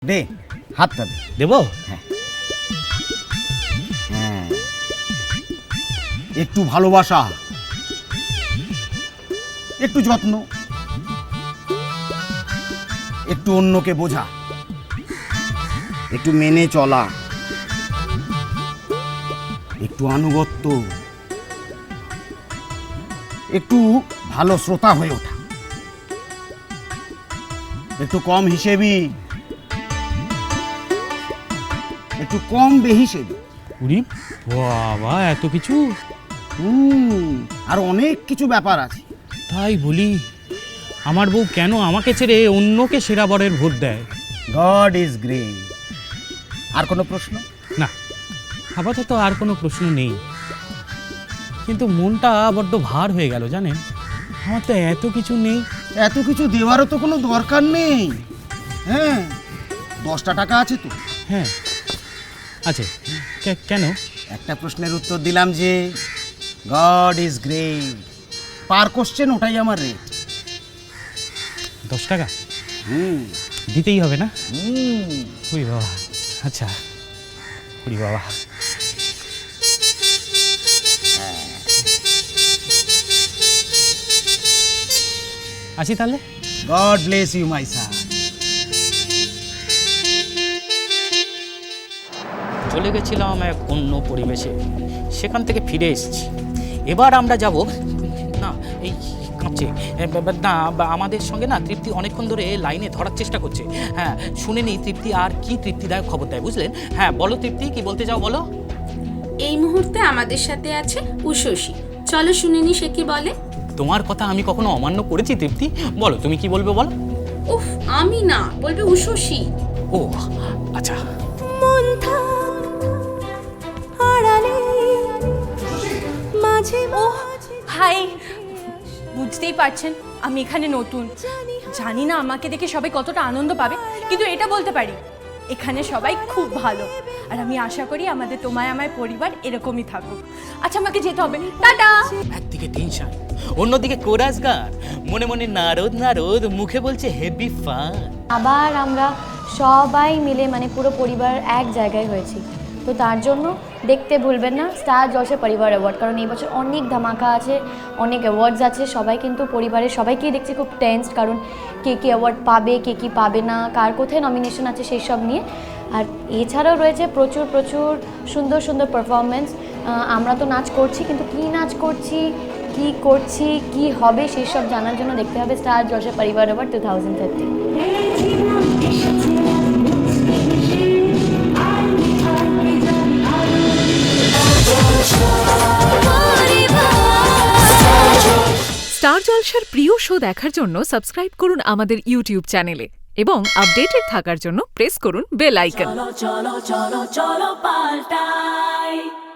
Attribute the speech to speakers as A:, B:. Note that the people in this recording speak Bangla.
A: দে হাতটা দে।
B: দেবো?
A: হ্যাঁ, একটু ভালোবাসা, একটু যত্ন, একটু অন্যকে বোঝা, একটু মেনে চলা, একটু আনুগত্য, একটু ভালো শ্রোতা হয়ে ওঠা, একটু কম হিসেবি, একটু কম বেহিসেবি।
B: উরি বাবা, এত কিছু!
A: আর অনেক কিছু ব্যাপার আছে।
B: তাই বলি, আমার বউ কেন আমাকে ছেড়ে অন্যকে সেরা বরের ভোট দেয়?
A: God is great. আর কোনো প্রশ্ন?
B: না, আপাতত আর কোনো প্রশ্ন নেই, কিন্তু মনটা বড্ড ভার হয়ে গেল জানেন। আমার তো এত কিছু নেই।
A: এত কিছু দেওয়ারও তো কোনো দরকার নেই। হ্যাঁ, 10টা টাকা আছে তো।
B: হ্যাঁ আছে। কেন?
A: একটা প্রশ্নের উত্তর দিলাম যে God is great, per question ওটাই আমার রেট।
B: 10 টাকা
A: হুম
B: দিতেই হবে না?
A: হুম
B: উরি বাবা, আচ্ছা। উরি বাবা, আসি তাহলে।
A: God bless you my son.
C: চলে গেছিলাম এক অন্য পরিবেশে, সেখান থেকে ফিরে এসেছি। এবার আমরা যাব না, এই কাঁপছে না, আমাদের সঙ্গে না তৃপ্তি অনেকক্ষণ ধরে লাইনে ধরার চেষ্টা করছে। হ্যাঁ, শুনে নিই তৃপ্তি আর কি তৃপ্তিদায়ক খবর দেয়, বুঝলেন? হ্যাঁ বলো তৃপ্তি, কি বলতে চাও বলো।
D: এই মুহূর্তে আমাদের সাথে আছে উষসী, চলো শুনে নি সে কি বলে।
C: তোমার কথা আমি কখনো অমান্য করেছি তৃপ্তি? বলো তুমি কি বলবে বলো।
D: উফ, আমি না, বলবে উষসী।
C: ও আচ্ছা।
E: হাই, বুঝতেই পারছেন আমি এখানে নতুন, জানি না আমাকে দেখে সবাই কতটা আনন্দ পাবে, কিন্তু এটা বলতে পারি এখানে সবাই খুব ভালো, আর আমি আশা করি আমাদের তোমায় আমায় পরিবার এরকমই থাকুক। আচ্ছা, আমাকে যেতে হবে, টাটা।
C: একদিকে টেনশন, অন্যদিকে কোরাস গান, মনে মনে নারদ নারদ, মুখে বলছে হেভি ফান।
F: আবার আমরা সবাই মিলে মানে পুরো পরিবার এক জায়গায় হয়েছি, তো তার জন্য দেখতে ভুলবেন না স্টার জলসা পরিবার অ্যাওয়ার্ড, কারণ এই বছর অনেক ধামাকা আছে, অনেক অ্যাওয়ার্ডস আছে। সবাই কিন্তু পরিবারের সবাইকেই দেখছি খুব টেন্সড, কারণ কে কী অ্যাওয়ার্ড পাবে, কে কী পাবে না, কার কোথায় নমিনেশন আছে সেই সব নিয়ে। আর এছাড়াও রয়েছে প্রচুর প্রচুর সুন্দর সুন্দর পারফরমেন্স। আমরা তো নাচ করছি, কিন্তু কী নাচ করছি, কী করছি, কী হবে সেই সব জানার জন্য দেখতে হবে স্টার জলসা পরিবার অ্যাওয়ার্ড 2030।
G: স্টার জলসার প্রিয় শো দেখার জন্য সাবস্ক্রাইব করুন আমাদের ইউটিউব চ্যানেলে এবং আপডেটেড থাকার জন্য প্রেস করুন বেল আইকন।